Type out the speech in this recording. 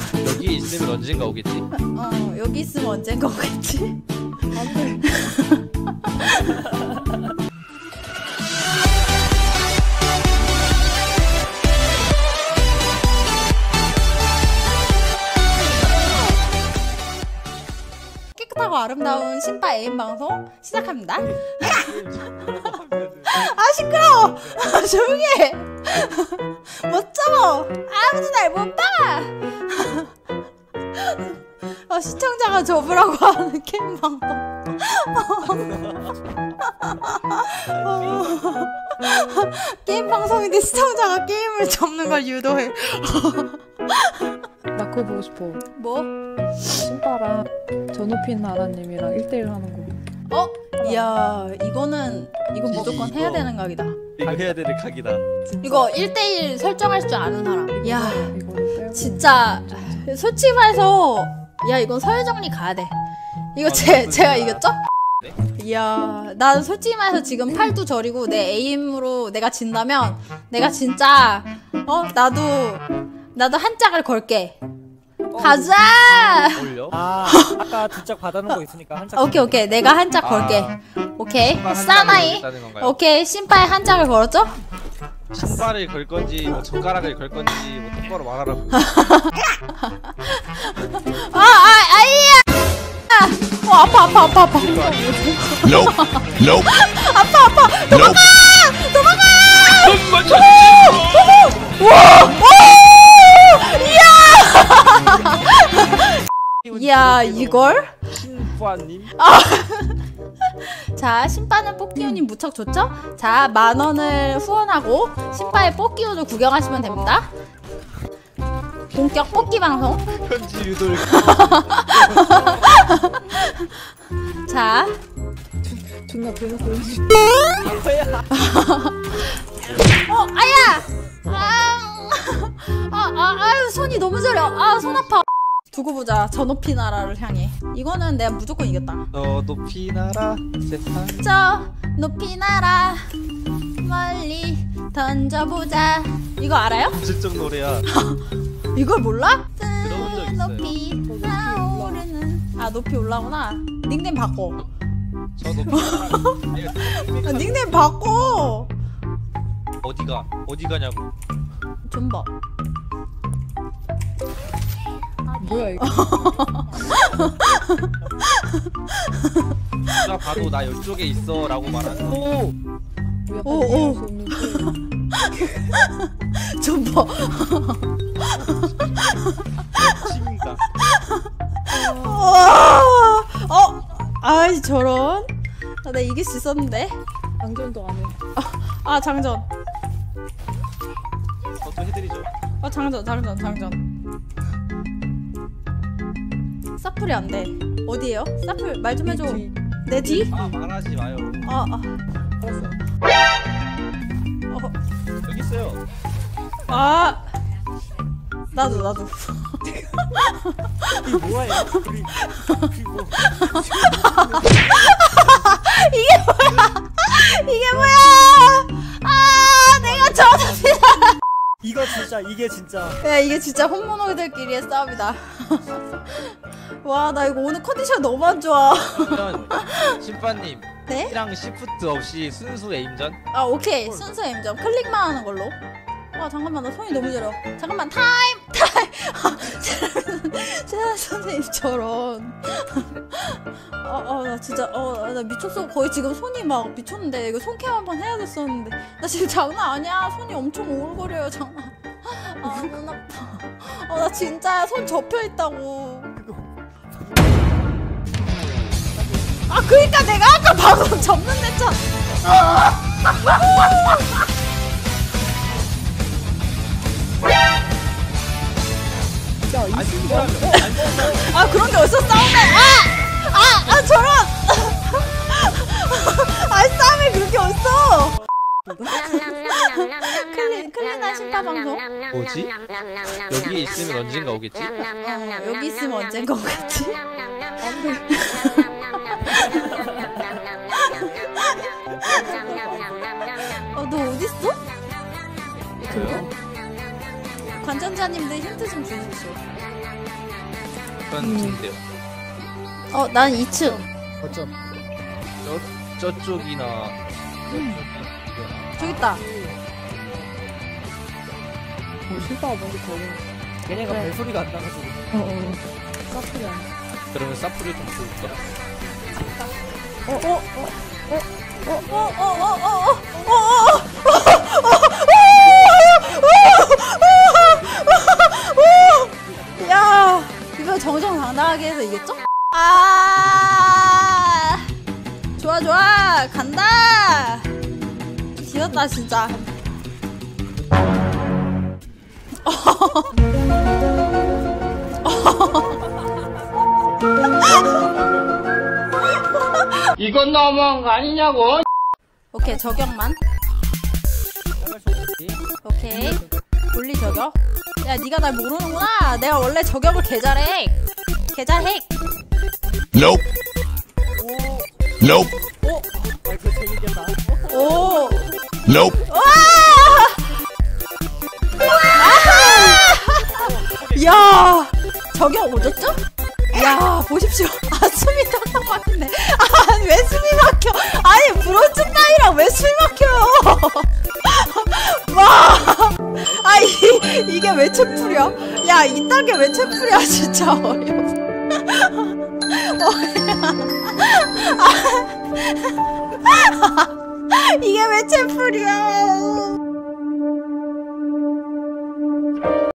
여기 있으면 언젠가 오겠지. 여기 있으면 언젠가 오겠지. 안돼. 깨끗하고 아름다운 신바 애인 방송 시작합니다. 아 시끄러워. 조용히 해. 못 참어. 아무도 날 못 봐. 시청자가 접으라고 하는 게임 방송. 게임 방송인데 시청자가 게임을 접는 걸 유도해. 나 그거 보고 싶어. 뭐? 신바랑 전우핀 나라님이랑 1대1 하는 거. 이야 이건 무조건 해야 되는 각이다. 이거 해야 되는 각이다. 이거 1대1 설정할 줄 아는 사람. 야 이거 진짜 솔직히 말해서 야 이건 서열정리 가야 돼. 이거 제가 이겼죠? 네? 이야 난 솔직히 말해서 지금 팔도 저리고 내 에임으로 내가 진다면 내가 진짜 나도 한 짝을 걸게. 가자! 올려? 아까 두 짝 받아놓은 거 있으니까 한 짝. 오케이 내가 한 짝 걸게. 오케이 사나이. 오케이 신바에 한 짝을 걸었죠? 신발을 걸 건지 뭐 젓가락을 걸 건지 뭐 똑바로 말하라고. 아이야! 아파. Nope. 아파. 도망가! 이야 이걸? 신부아님? 자 신바는 뽑기운이 무척 좋죠? 자 10,000원을 후원하고 신바의 뽑기운을 구경하시면 됩니다. 본격 뽑기 방송. 현지 유도를. 자 존나 배웠어. 아유 손이 너무 저려. 손 아파. 두고 보자. 저 높이 나라를 향해. 이거는 내가 무조건 이겼다. 높이 날아 세상. 저 높이 날아 멀리 던져보자. 이거 알아요? 무슨 노래야? 이걸 몰라? 들어본 적 있어요. 높이 나오르는 높이 올라오나? 닉네임 바꿔. 저 높이 날아. 닉네임 바꿔. 어디 가냐고. 좀 봐. 뭐야 이거? 누가 봐도 나 이쪽에 있어라고 말하는. 오. 오. 좀 봐. 침인가? 아이 저런. 나 이길 수 있었는데. 장전도 안 해. 장전. 또 해드리죠. 장전. 사플이 안 돼. 어디에요? 사플 말 좀 해줘. 내 뒤? 말하지 마요. 알았어. 여기 있어요. 나도. 이게 뭐야 이거? 그리고 이게 뭐야? 내가 졌습니다. 이게 진짜. 야 이게 진짜 홈모노들끼리의 싸움이다. 와 나 이거 오늘 컨디션 너무 안 좋아. 그러면 신빠님. 네? T랑 시프트 없이 순수 에임전? 오케이 순서 임점 클릭만 하는 걸로. 잠깐만 나 손이 너무 저려. 잠깐만 타임. 세아 선생님처럼. 나 진짜 나 미쳤어. 거의 지금 손이 막 미쳤는데 이거 손캠 한번 해야 됐었는데 나 지금 장난 아니야. 손이 엄청 오글거려요 장난. 눈 아파. 나 진짜 손 접혀 있다고. 그러니까 내가 아까 방송 접는 데잖아. 그런데 어디서 싸움에 저런. 싸움에 그렇게 어딨어. 클린한 신파 방송. 뭐지? 여기 있으면 언젠가 오겠지? 여기 있으면 언젠가 오겠지. 너 어딨어? 저요? 관전자님들 힌트 좀 주십시오. 전 좋은데요. 난 2층. 어쩜 저쪽이나 저기 있다. 실바가 먼저 걸려. 걔네가 벨소리가 안 나가지고 까풀이 안 돼. 그러면 사프를 좀 볼까? 야, 이거 정정당당하게 해서 이겼죠? 좋아 좋아 간다. 지렸다 진짜. 이건 너무한 거 아니냐고. 오케이 저격만. 오케이 분리 저격. 야 니가 날 모르는구나. 내가 원래 저격을 개잘해. 개잘해. Nope. Nope. 그 재밌겠다. 오. Nope. 야 저격 오졌죠? 야 보십시오. 숨이 턱턱 막히네. 왜 숨이 막혀? 아니 브론즈 따위랑 왜 숨이 막혀요? 와. 이게 왜 채플이야? 야 이딴 게 왜 채플이야? 진짜 어이없어. 이게 왜 채플이야?